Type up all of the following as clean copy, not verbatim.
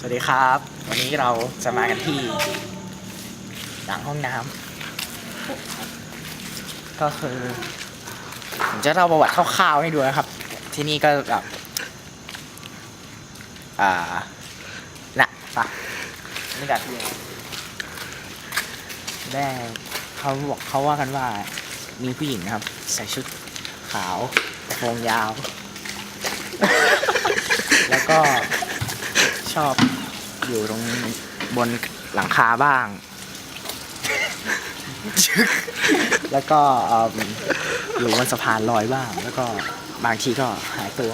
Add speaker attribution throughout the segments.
Speaker 1: สวัสดีครับวันนี้เราจะมากันที่หลังห้องน้ำก็คือผมจะเล่าประวัติคร่าวๆให้ดูนะครับที่นี่ก็แบบน่ะปะนี่กันแม่เขาว่ากันว่ามีผู้หญิงนะครับใส่ชุดขาวกระโปรงยาว แล้วก็ชอบอยู่ตรงบนหลังคาบ้าง แล้วก็อยู่บนสะพานลอยบ้าง แล้วก็บางทีก็หายตัว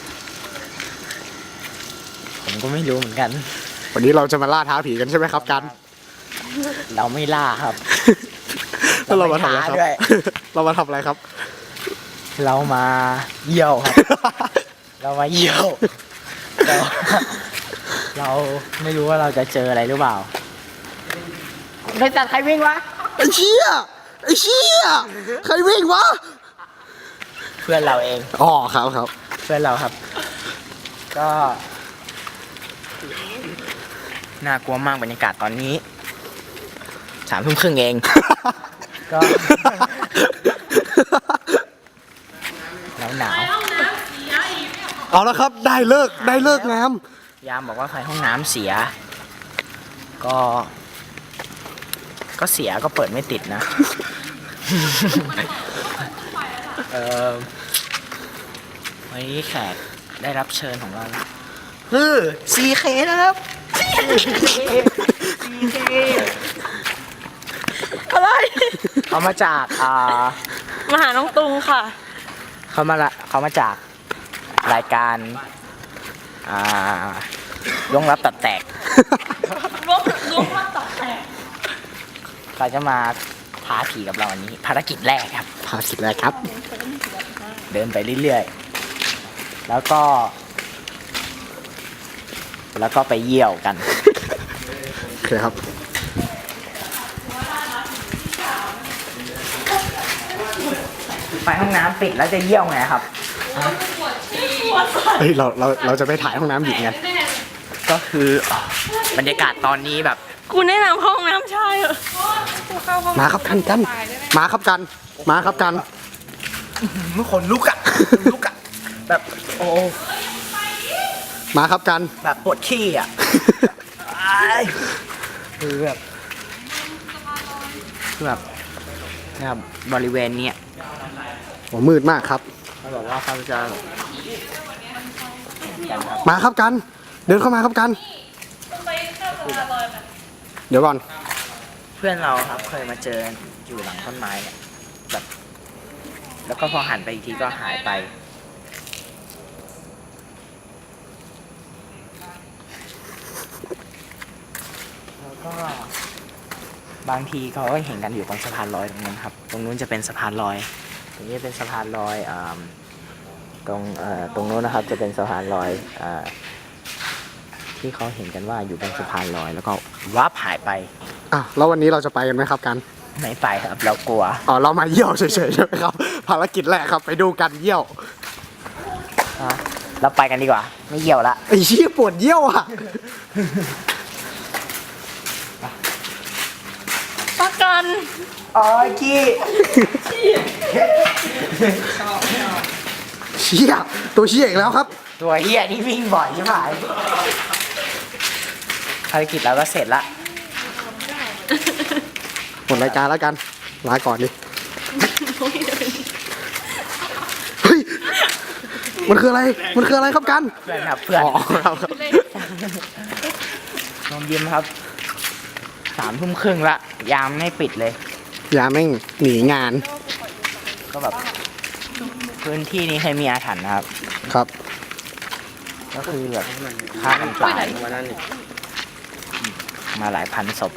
Speaker 1: ผมก็ไม่รู้เหมือนกัน
Speaker 2: วันนี้เราจะมาล่าท้าผีกันใช่ไหมครับกัน
Speaker 1: เราไม่ล่าครับ
Speaker 2: แล้วเรามาทำอะไรครับ
Speaker 1: ด้วย
Speaker 2: เรามาทำอะไรครับ
Speaker 1: เรามาเยี่ยวครับ เรามาเยี่ยวแต่ว่าเราไม่รู้ว่าเราจะเจออะไรหรือเปล่าบริษัทใครวิ่งวะ
Speaker 2: ไอ้เชี่ยใครวิ่งวะ
Speaker 1: เพื่อนเราเอง
Speaker 2: อ๋อครับ
Speaker 1: เพื่อนเราครับ ก็น่ากลัวมากบรรยากาศตอนนี้3:30เอง ก็หนาว
Speaker 2: เอาละครับได้เลิกงาม
Speaker 1: ยามบอกว่าไฟห้องน้ำเสียก็เสียก็เปิดไม่ติดนะ วันนี้แขกได้รับเชิญของเราคือ CK นะครับ CK
Speaker 3: อะไร
Speaker 1: เขามาจาก
Speaker 3: มาหาน้องตุงค่ะ
Speaker 1: เขามาจากรายการล้วงลับตัดแตก
Speaker 3: ล้วงมาตัดแตก
Speaker 1: เขาจะมาท้าผีกับเราวันนี้ภารกิจแรกครับ
Speaker 2: ภารกิจแรกครับ
Speaker 1: เดินไปเรื่อยๆแล้วก็ไปเยี่ยวกัน
Speaker 2: โอเคครับ
Speaker 1: ไปห้องน้ำปิดแล้วจะเยี่ยวไงครับ
Speaker 2: เฮ้ยเราจะไปถ่ายห้องน้ำหญิงกัน
Speaker 1: ก็คือบรรยากาศตอนนี้แบบ
Speaker 3: กูแนะนำห้องน้ำชายเหรอ
Speaker 2: มาครับกันมาครับกัน
Speaker 1: เมื่อคนลุกอะแบบโอ้
Speaker 2: มาครับกัน
Speaker 1: แบบปวดขี้อะคือแบบนะครับบริเวณเนี้ย
Speaker 2: โอ้มืดมากครับ
Speaker 1: เขาบอกว่าเขาจะ
Speaker 2: มาครับกัน เดินเข้ามาครับกัน เดี๋ยวก่อน
Speaker 1: เพื่อนเราครับเคยมาเจออยู่หลังต้นไม้เนี่ยแบบแล้วก็พอหันไปอีกทีก็หายไปแล้วก็บางทีเขาก็เห็นกันอยู่บนสะพานลอยตรงนั้นครับตรงนู้นจะเป็นสะพานลอยตรงนี้เป็นสะพานลอยตรงนู้นนะครับจะเป็นสะพานลอยที่เขาเห็นกันว่าอยู่บนสะพานลอยแล้วก็วับหายไป
Speaker 2: อ่ะแล้ววันนี้เราจะไปกันไหมครับกัน
Speaker 1: ไม่ไปครับเรากลัว
Speaker 2: อ๋อเรามาเยี่ยวเฉยๆใช่ไหมครับ ภารกิจแรกครับไปดูกันเยี่ยว
Speaker 1: เราไปกันดีกว่าไม่เยี่ยวละ
Speaker 2: ไอ้เชี่ยปวดเยี่ยวอ่ะ
Speaker 3: ประกัน
Speaker 1: อ๋อขี้
Speaker 2: เชี่ยตัวเชี่ยอีกแล้วครับ
Speaker 1: ตัวเฮียที่วิ่งบ่อยใช่ไหมภารกิจเราก็เสร็จละ
Speaker 2: หมดรายการแล้วกันลาก่อนดิเฮ้ยมันคืออะไรครับกัน
Speaker 1: เพื่อนครับเพื่อน
Speaker 2: อ๋อครับ
Speaker 1: น้องยิ้มครับ3:30ละยามไม่ปิดเลย
Speaker 2: ยาแม่งหนีงาน
Speaker 1: ก็แบบพื้นที่นี้เคยมีอาถรรพ์นะครับ
Speaker 2: ครับ
Speaker 1: ก็คือแบบฆ่ากันตายมาหลายพันศพ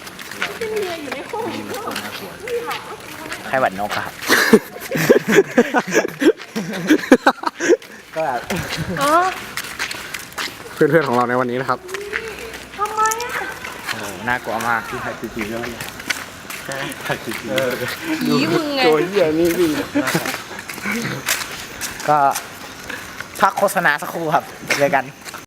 Speaker 1: ไข้หวัดนกอะครับ ก็แบบ
Speaker 3: อ๋อ
Speaker 2: เพื่อนๆของเราในวันนี้นะครับ
Speaker 3: ทำไมอ่ะ
Speaker 1: โอ้โหน่ากลัวมากที่ไทยทีแล้ว
Speaker 3: ผีมึงไง
Speaker 2: ตัวเหี้ยนี่วิ่ง
Speaker 1: ก็พักโฆษณาสักครู่ครับเจอกัน